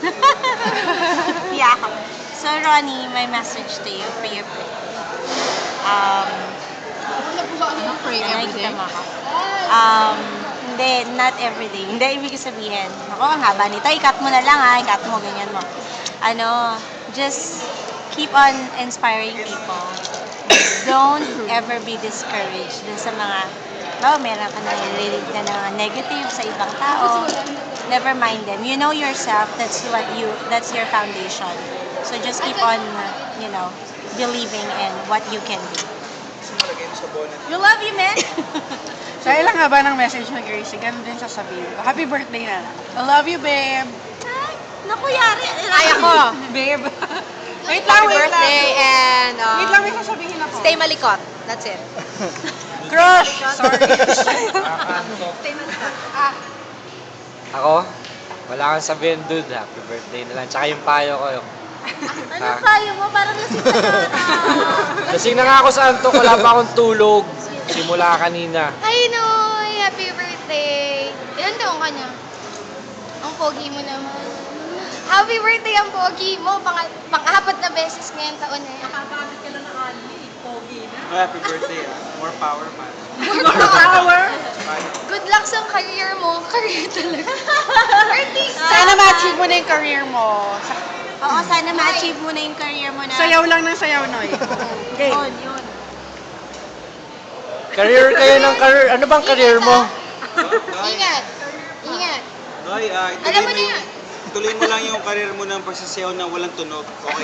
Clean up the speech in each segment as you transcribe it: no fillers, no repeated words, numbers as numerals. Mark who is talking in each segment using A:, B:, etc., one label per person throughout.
A: Yeah. So, Ronnie, my message to you for your birthday.
B: Pray every
A: Nakikita
B: day.
A: mo ako. Hindi, not everyday. Hindi, ibig sabihin. Ako, ang haba nito. I-cut mo na lang ha. I-cut mo, ganyan mo. Just keep on inspiring people. Don't ever be discouraged dun sa mga, meron ka na narinig na mga negative sa ibang tao. Never mind them. You know yourself. That's your foundation. So just keep on, believing in what you can do. You love you, man.
B: Sa ilang haba ng message ni Gracie, ganun din sasabihin ko. Happy birthday na lang. I love you, babe.
A: Ay, naku, yari.
C: Ay, ako.
B: Babe. Wait lang,
C: Happy
B: wait
C: birthday
B: lang.
C: and
B: Wait lang, may sasabihin ako.
C: stay malikot. That's it.
B: Crush! Sorry.
D: Ako? Wala kang sabihin, dude. Happy birthday na lang. Tsaka yung payo ko.
A: Ano payo mo? Parang lasing ka na.
D: Lasing na nga ako sa antok. Wala pa akong tulog. Simula kanina.
E: Ay, Noy! Happy birthday! Ilan taong ka na? Ang pogi mo naman. Happy birthday ang pogi mo! Pang-apat na beses ngayong taon na yan.
F: Happy birthday, ah. More power, man.
B: Power!
E: Good luck sa career mo. Career talaga. Artista!
B: Sana ma-achieve mo na yung career mo.
A: Oo, sana ma-achieve mo na yung career mo na.
B: Sayaw lang ng sayaw, Noy. Okay.
A: Yun.
D: Career kayo ng career. Ano bang career mo?
F: Noy,
E: Ingat! Ingat!
F: Noy,
E: Alam mo na yan.
F: ituloy mo lang yung karir mo ng pagsasayaw na walang tunog. Okay.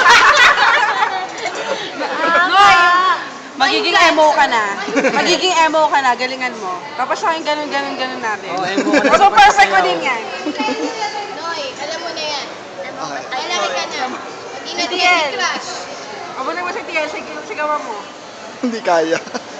B: Noy! Magiging emo ka na. Magiging emo ka na. Galingan mo. Tapos sa akin, ganun natin.
D: Oo, emo ka na.
B: So, perfect ko din yan.
E: Noy, alam mo na yan. Malaki ka na. Hindi na
B: Tiel.
E: crush.
B: Abo na mo si Tiel. Sigawan mo.
G: Hindi kaya.